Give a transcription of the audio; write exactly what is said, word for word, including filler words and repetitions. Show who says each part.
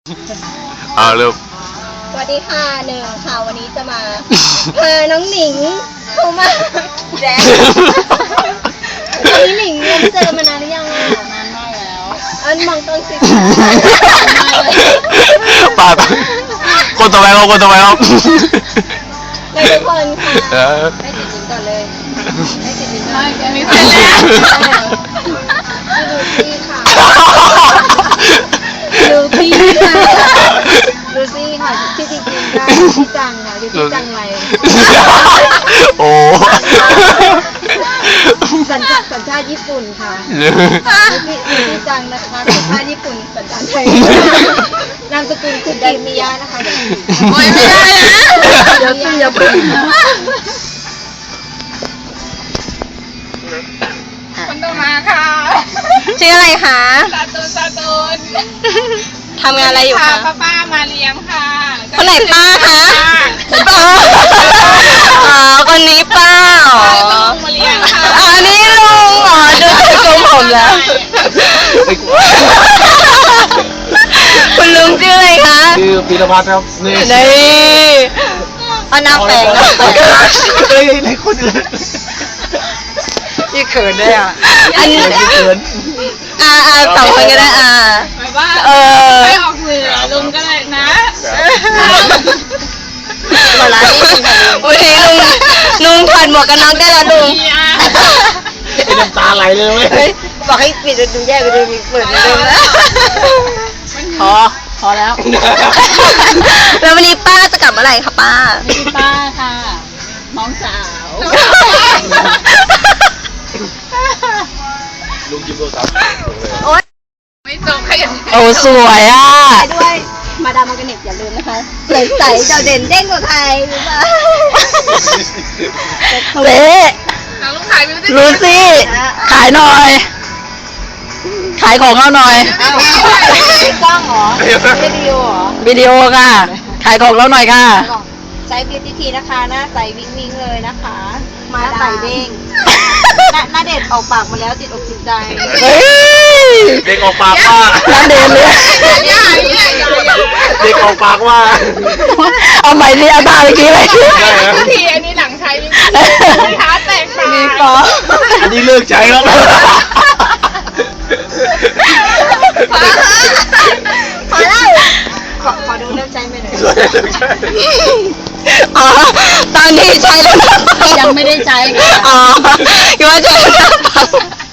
Speaker 1: เอาเริ่ม
Speaker 2: สวัสดีค่ะหนึ่งค่ะวันนี้จะมาพาน้องหนิงเข้ามาแจ๊พี่หนิงยังเจอมานานหรือยังอ่ะนานมากแล้วอันมองต้นสิ
Speaker 1: ป่าคนต่อไปครับคนต่อไปครับ
Speaker 2: ในทุกคนค่ะให้ติดลิ้นก่อนเลยให้ติดลิ้นก่อนอันนี้เสร็จแล้วดูซี่ค่ะดูซี่ค่ะที่จริงๆได้ที่จังค่ะที่จังไร
Speaker 1: โอ้
Speaker 2: สัญชาติสัญชาติญี่ปุ่นค่ะที่ที่จังนะคะสัญชาติญี่ปุ่นสัญชาติไทยนามสกุลคือกิมิยะนะคะเดี๋ยวไม่ได้นะเดี๋ยวซี่อย่าพึ่ง
Speaker 3: คนต่อมาค่ะ
Speaker 2: ชื่ออะไรคะ
Speaker 3: ซาตูนซาตูน
Speaker 2: ทำงานอะไรอยู่คะ
Speaker 3: ป้าป้ามาเลี้ยงค่ะ
Speaker 2: คนไหนป้าคะป้าอ๋อคนนี้ป้าอ๋อ
Speaker 3: มาเลี้ยงค่ะ
Speaker 2: อันนี้ลุงอ๋อดูจากทรงผมแล้วคุณลุงชื่ออะไรคะ
Speaker 1: ชื่อพีรพัฒน์ครับนี่
Speaker 2: นี่เอาน้ำแปลงนะ
Speaker 1: เฮ้ยในคนอื่น
Speaker 2: ที่เขินได้อ่ะอันนี้
Speaker 1: เขิน
Speaker 2: อ่าอ่าสองคนก็ได้อ่า
Speaker 3: แบบว่า
Speaker 2: เออ
Speaker 3: ไม่ออกสื่อลุงก็เลยนะ
Speaker 2: มาร้านนี้วันนี้ลุงลุงถอดหมวกกันน็อกได้แล้วลุง
Speaker 1: เป็นน้ำตาไหลเลยไหม
Speaker 2: เฮ้ยบอกให้ปิดดูแยกไปดูมีเปิดไปดูนะพอพอแล้วแล้ววันนี้ป้าจะกลับเมื่อไหร่คะป้า
Speaker 3: ป้าค่ะน้องสาว
Speaker 1: ลุงยิ้มโทรศัพท์
Speaker 2: โอ๊ย
Speaker 3: ไม่จบขยัน
Speaker 2: โอ้สวยอ่ะด้วยมาดามอร์แกนิกอย่าลืมนะคะใสใสเจ้าเด่นเด้งกว่าใครรู้ป่ะเละ
Speaker 3: น้องลูกขายไม่ได้
Speaker 2: รู้สิขายหน่อย ขายของเราหน่อยกล้องเหรอวิดีโอเหรอวิดีโอค่ะ ขายของเราหน่อยค่ะใช้บิวตี้ทีนะคะหน้าใสวิ้งวิ้งเลยนะคะ มาใสเด้งหน้าเด็ดออกปากมาแล้วติดอกติดใจ
Speaker 1: เด็กออกปากว่า
Speaker 2: น้ำเด่นเลย
Speaker 3: อย่าอย่าอย่าอย่า
Speaker 1: เด็กออกปากว่า
Speaker 2: เอาใหม่สิเอาตาเมื่อกี้เลย
Speaker 3: ทีอันนี้หลังใช้มีขาแตกขา
Speaker 2: มีกอ
Speaker 1: อันนี้เลิกใช้แล้ว
Speaker 2: พอแล้วขอขอดูเริ่มใช้ไปหน่อย
Speaker 1: เลิกใช้
Speaker 2: อ๋อตอนนี้ใช้แล้วนะ
Speaker 3: ยังไม่ได้ใช้
Speaker 2: อ๋อคิดว่าใช้แล้ว